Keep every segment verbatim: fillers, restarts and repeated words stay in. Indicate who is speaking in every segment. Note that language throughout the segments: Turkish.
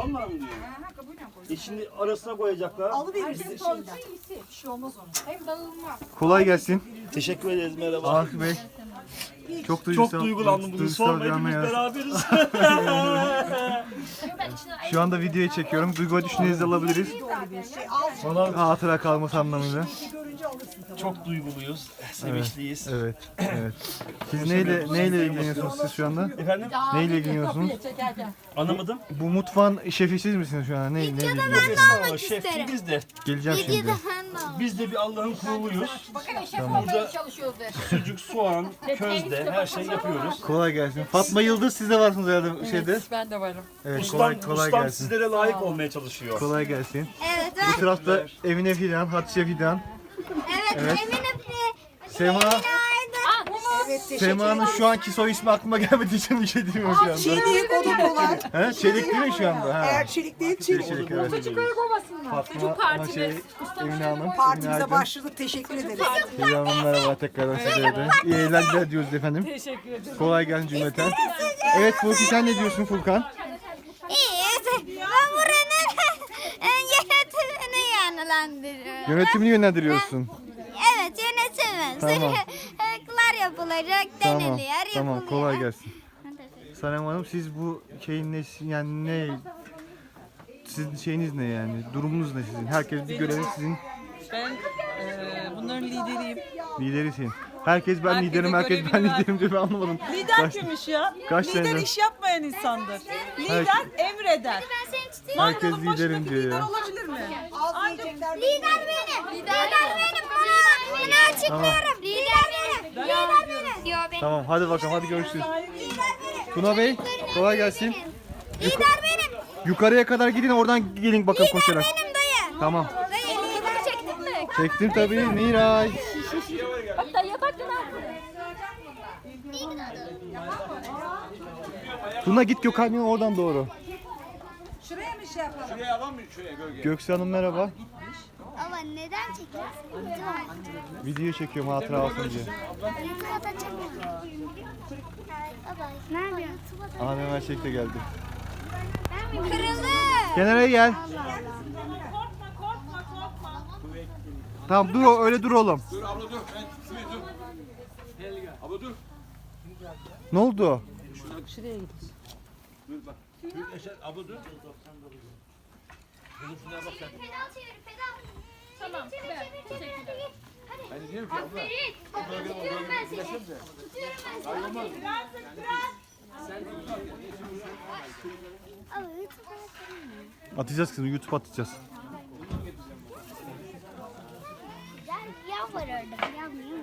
Speaker 1: Vallahi mi diyor? E şimdi arasına koyacaklar.
Speaker 2: Alıverirsin şimdi. Bir şey olmaz ona.
Speaker 3: Hem dağılmaz.
Speaker 4: Kolay gelsin.
Speaker 1: Teşekkür ederiz, merhaba.
Speaker 4: Arif Bey. Çok duygusal.
Speaker 1: Çok duygulandım bugün.
Speaker 4: duygusal
Speaker 1: Sorma,
Speaker 4: bir an
Speaker 1: hepimiz
Speaker 4: ya.
Speaker 1: beraberiz.
Speaker 4: Şu anda videoyu çekiyorum. Duygu düşüncenizi alabiliriz. Hatıra kalması anlamıyla.
Speaker 1: Çok duyguluyuz, sevinçliyiz.
Speaker 4: Evet, evet. Siz neyle neyle ilgileniyorsunuz siz şu anda?
Speaker 1: Efendim?
Speaker 4: Neyle ilgileniyorsunuz?
Speaker 1: Anlamadım.
Speaker 4: Bu mutfağın şefi siz misiniz şu an? Ne, neyle ilgileniyorsunuz?
Speaker 1: Estağfurullah, şef biz de.
Speaker 4: Geleceğim şimdi.
Speaker 1: Biz de bir Allah'ın kuluyuz.
Speaker 3: Bakın şef olmaya çalışıyoruz.
Speaker 1: Sucuk, soğan, közde her şeyi yapıyoruz.
Speaker 4: Kolay gelsin. Fatma Yıldız siz de varsınız herhalde şeyde.
Speaker 2: Ben de varım.
Speaker 4: Evet,
Speaker 1: Ustam,
Speaker 4: kolay, kolay
Speaker 1: ustam
Speaker 4: gelsin.
Speaker 1: sizlere layık olmaya çalışıyor.
Speaker 4: Kolay gelsin.
Speaker 5: Evet,
Speaker 4: Bu tarafta Emine Fidan, Hatice Fidan.
Speaker 5: evet,
Speaker 4: Evet.
Speaker 5: Emine
Speaker 4: Sema, Sema'nın şu anki soy ismi aklıma gelmediği için bir şey diyemiyorum şu anda.
Speaker 2: Çelik o da kolay.
Speaker 4: He? Çelik değil mi şu anda? Ha.
Speaker 2: Eğer çelik değil çelik.
Speaker 4: Çelik, evet. Fatma ama şey, Emine Hanım, Emine
Speaker 2: Partimize
Speaker 4: Aydın.
Speaker 2: başladık. Teşekkür ederiz.
Speaker 4: Fidan Hanım merhaba tekrardan size de. İyi eğlenceler diyoruz efendim.
Speaker 2: Teşekkür ederim.
Speaker 4: Kolay gelsin cümleten. Evet Furki sen ne diyorsun Furkan?
Speaker 5: İyi. Ben buranın yönetimini yönlendiriyorum.
Speaker 4: Yönetimini yönlendiriyorsun.
Speaker 5: Evet, yönetimi.
Speaker 4: Tamam.
Speaker 5: Sırıklar yapılacak,
Speaker 4: Tamam,
Speaker 5: deniliyor,
Speaker 4: tamam
Speaker 5: yapılıyor.
Speaker 4: kolay gelsin. Sanem Hanım siz bu şeyin ne, yani ne, sizin şeyiniz ne yani, durumunuz ne sizin? Herkes bir görevi sizin
Speaker 6: Ben eee, bunların lideriyim.
Speaker 4: liderisin. Herkes ben
Speaker 6: Herkesin
Speaker 4: liderim, herkes ben
Speaker 6: görevini ver.
Speaker 4: liderim diyor ben anlamadım.
Speaker 6: Lider
Speaker 4: Kaç-
Speaker 6: kimmiş ya?
Speaker 4: kaç
Speaker 6: lider
Speaker 4: senedir?
Speaker 6: iş yapmayan insandır. Lider emreder.
Speaker 5: Ben seni tutayım.
Speaker 4: Herkes
Speaker 6: Mangalın
Speaker 4: liderim
Speaker 6: başındaki
Speaker 4: diyor
Speaker 6: lider
Speaker 4: ya.
Speaker 6: olabilir mi?
Speaker 2: Yiyecekler.
Speaker 5: Lider benim. Lider benim. Bunu, bunu açıklıyorum. Lider benim. Lider benim. Yo benim.
Speaker 4: Tamam hadi bakalım hadi görüşürüz.
Speaker 5: Lider benim.
Speaker 4: Tuna Bey kolay gelsin.
Speaker 5: Lider benim.
Speaker 4: Yukarıya kadar gidin oradan gelin bakalım koşarak.
Speaker 5: Benim dayı.
Speaker 4: Tamam.
Speaker 5: Dayı lider çektin mi?
Speaker 4: Çektim tabii Miray.
Speaker 3: Bak dayıya bak lan.
Speaker 4: Tuna git Gökhan'ın oradan doğru.
Speaker 2: Şuraya mı şey yapalım?
Speaker 4: Göksu Hanım merhaba.
Speaker 5: Ama neden çekiyorsun?
Speaker 4: Video çekiyorum hatıra olsun diye.
Speaker 5: YouTube'a da çekiyorum. Baba. Nerede?
Speaker 4: Aha Mehmet Şek de geldi.
Speaker 5: Kırıldı.
Speaker 4: Kenara gel. Tamam dur o- öyle dur oğlum.
Speaker 7: Dur abla dur. Ben şuraya dur. Abla dur.
Speaker 4: Ne oldu?
Speaker 7: Dur bak. Dur Eşer abla dur.
Speaker 5: Pedal çevir, pedal.
Speaker 3: Tamam. Ben teşekkürler.
Speaker 7: Ben de diyorum ki abla.
Speaker 5: Tutuyorum ben seni. Tutuyorum ben seni. Ama YouTube'a atarım.
Speaker 4: Atacağız kızım YouTube atacağız.
Speaker 5: Güzel yağ var orada. Yanmıyor.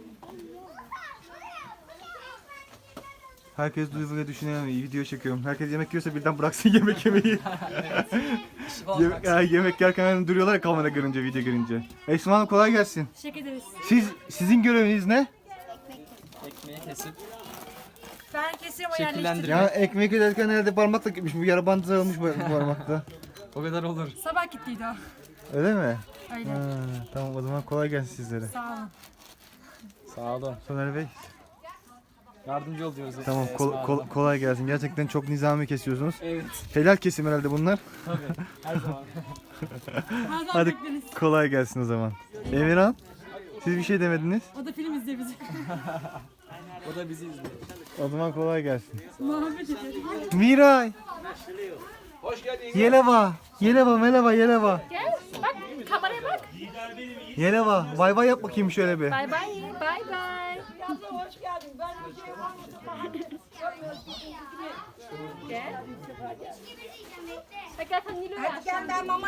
Speaker 4: Herkes duyguya düşünüyor. Video çekiyorum. Herkes yemek yiyorsa birden bıraksın yemek yemeyi. yemek, ya, yemek yerken hemen duruyorlar ya kamera görünce, video görünce. Esma Hanım kolay gelsin.
Speaker 2: Teşekkür ederiz.
Speaker 4: Siz sizin göreviniz ne?
Speaker 6: Ekmeği kesip
Speaker 2: Ben keseyim o yerleştireyim.
Speaker 6: şekillendirmek.
Speaker 4: Ya ekmek ederken herhalde parmakla gitmiş. Bu yara bandı sarılmış bu bu parmakta.
Speaker 6: O kadar olur.
Speaker 2: Sabah gittiydi o.
Speaker 4: Öyle mi?
Speaker 2: Öyle.
Speaker 4: Ha, tamam o zaman kolay gelsin sizlere.
Speaker 2: Sağ olun.
Speaker 6: Sağ olun.
Speaker 4: Soner Bey.
Speaker 6: Yardımcı ol diyoruz.
Speaker 4: Tamam kol- kol- kolay gelsin. Gerçekten çok nizami kesiyorsunuz.
Speaker 6: Evet.
Speaker 4: Helal kesim herhalde bunlar.
Speaker 6: Her zaman.
Speaker 4: Hadi kolay gelsin o zaman. Emirhan, siz bir şey demediniz.
Speaker 2: O da film izliyor bizi.
Speaker 6: O da bizi izliyor.
Speaker 4: O zaman kolay gelsin.
Speaker 2: Muhabbet ediyor.
Speaker 4: Miray,
Speaker 7: Hoş geldin.
Speaker 4: Yeleva, Yeleva, Meleva, Yeleva.
Speaker 3: Gel. Bak kameraya bak.
Speaker 4: Yeleva, bay bay yap bakayım şöyle bir.
Speaker 3: Bay bay. Bay bay. Gel. Bak gel sen Nilo'yu
Speaker 2: Hadi gel ben mama